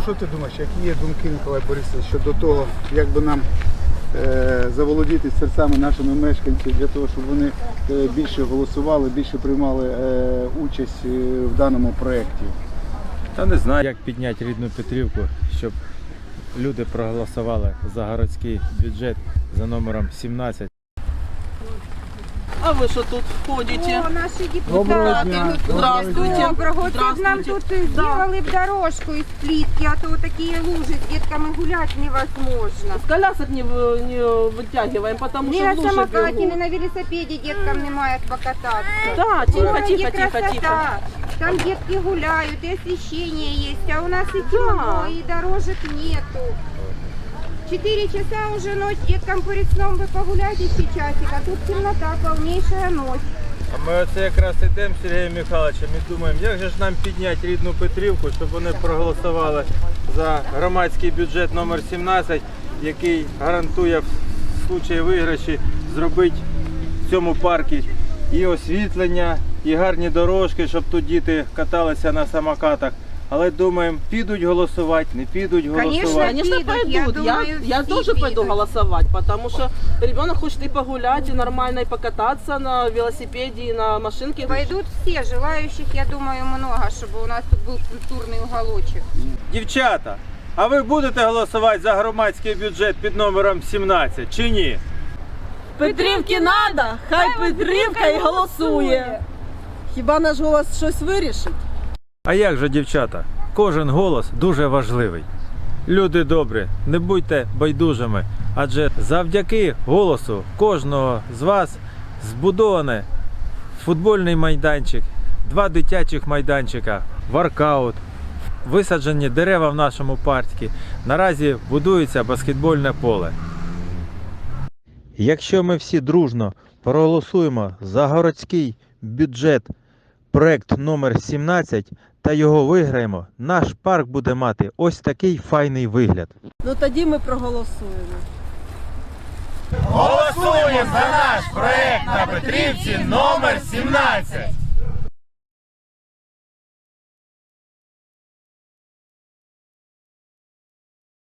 що ти думаєш, які є думки, Миколай Борисович, щодо того, як би нам заволодіти серцями нашими мешканців для того, щоб вони більше голосували, більше приймали участь в даному проєкті? Та не знаю, як підняти рідну Петрівку, щоб люди проголосували за городський бюджет за номером 17. А вы что тут ходите? О, наши Доброго депутаты. дня. Здравствуйте. Доброго. Вот тут нам тут сделали б дорожку из плитки, а то такие лужи с детками гулять невозможно. С колясок не вытягиваем, потому Не что на в луже самокате, не бегут. на велосипеде деткам немає покататься. Да, В тихо, городе тихо, тихо, красота. тихо. Там детки гуляют, и освещение есть, а у нас и темно, и дорожек нету. 4 часа уже ночь, деткам перед сном вы погуляйте ще часик, а тут темнота, полнейшая ночь. А ми оце якраз йдемо з Сергієм Михайловичем і думаємо, як же ж нам підняти рідну Петрівку, щоб вони проголосували за громадський бюджет номер 17, який гарантує в случаї виграші зробити в цьому парку і освітлення, і гарні дорожки, щоб тут діти каталися на самокатах. Але думаємо, підуть голосувати, не підуть голосувати. Конечно, пойдут. Я тоже пойду голосовать, потому что ребенок хочет и погулять, и нормально, и покататься на велосипеде, и на машинке. Пойдут все, желающих, я думаю, много, чтобы у нас тут был культурный уголочек. Дівчата, а ви будете голосувати за громадський бюджет під номером 17 чи ні? Петрівки надо, хай Петрівка і голосує. Хіба наш голос щось вирішить? А як же, дівчата? Кожен голос дуже важливий. Люди добрі, не будьте байдужими, адже завдяки голосу кожного з вас збудований футбольний майданчик, 2 дитячих майданчика, воркаут, висаджені дерева в нашому парку. Наразі будується баскетбольне поле. Якщо ми всі дружно проголосуємо за городський бюджет проект номер 17 та його виграємо, наш парк буде мати ось такий файний вигляд. Ну тоді ми проголосуємо. Голосуємо за наш проект на Петрівці номер 17.